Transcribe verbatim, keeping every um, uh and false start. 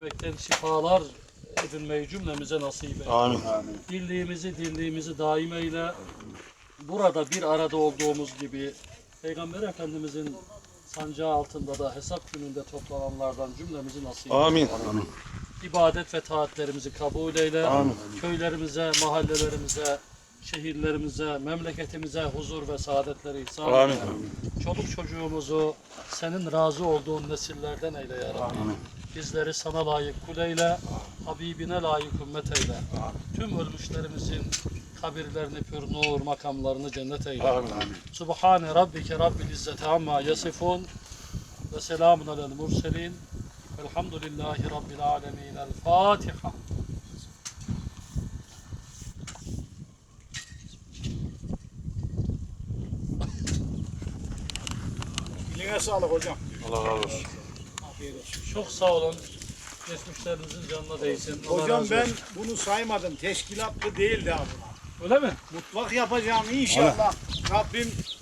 Bekten şifalar edinmeyi cümlemize nasip eyle. Amin. Birliğimizi, dirliğimizi daim eyle. Burada bir arada olduğumuz gibi Peygamber Efendimizin sancağı altında da hesap gününde toplananlardan cümlemizi nasip eyle. Amin. İbadet ve taatlerimizi kabul eyle. Amin. Köylerimize, mahallelerimize, şehirlerimize, memleketimize huzur ve saadetleri ihsan Amin. eyle. Çoluk çocuğumuzu senin razı olduğun nesillerden eyle ya Rabbi. Amin. Bizleri sana layık kul eyle, Habibine layık ümmet eyle. Tüm ölmüşlerimizin kabirlerini pür nur, makamlarını cennet eyle. Amin. Subhane Rabbike Rabbil İzzeti amma yasifun ve selamun alel murselin. Velhamdülillahi Rabbil alemin. El Fatiha. Eline sağlık hocam. Allah razı olsun. Afiyet olsun. Çok sağ olun. Geçmişlerinizin canına değsin. Allah Hocam razı ben olsun. bunu saymadım. Teşkilatlı değildi abi. Öyle mi? Mutfak yapacağım inşallah. Rabbim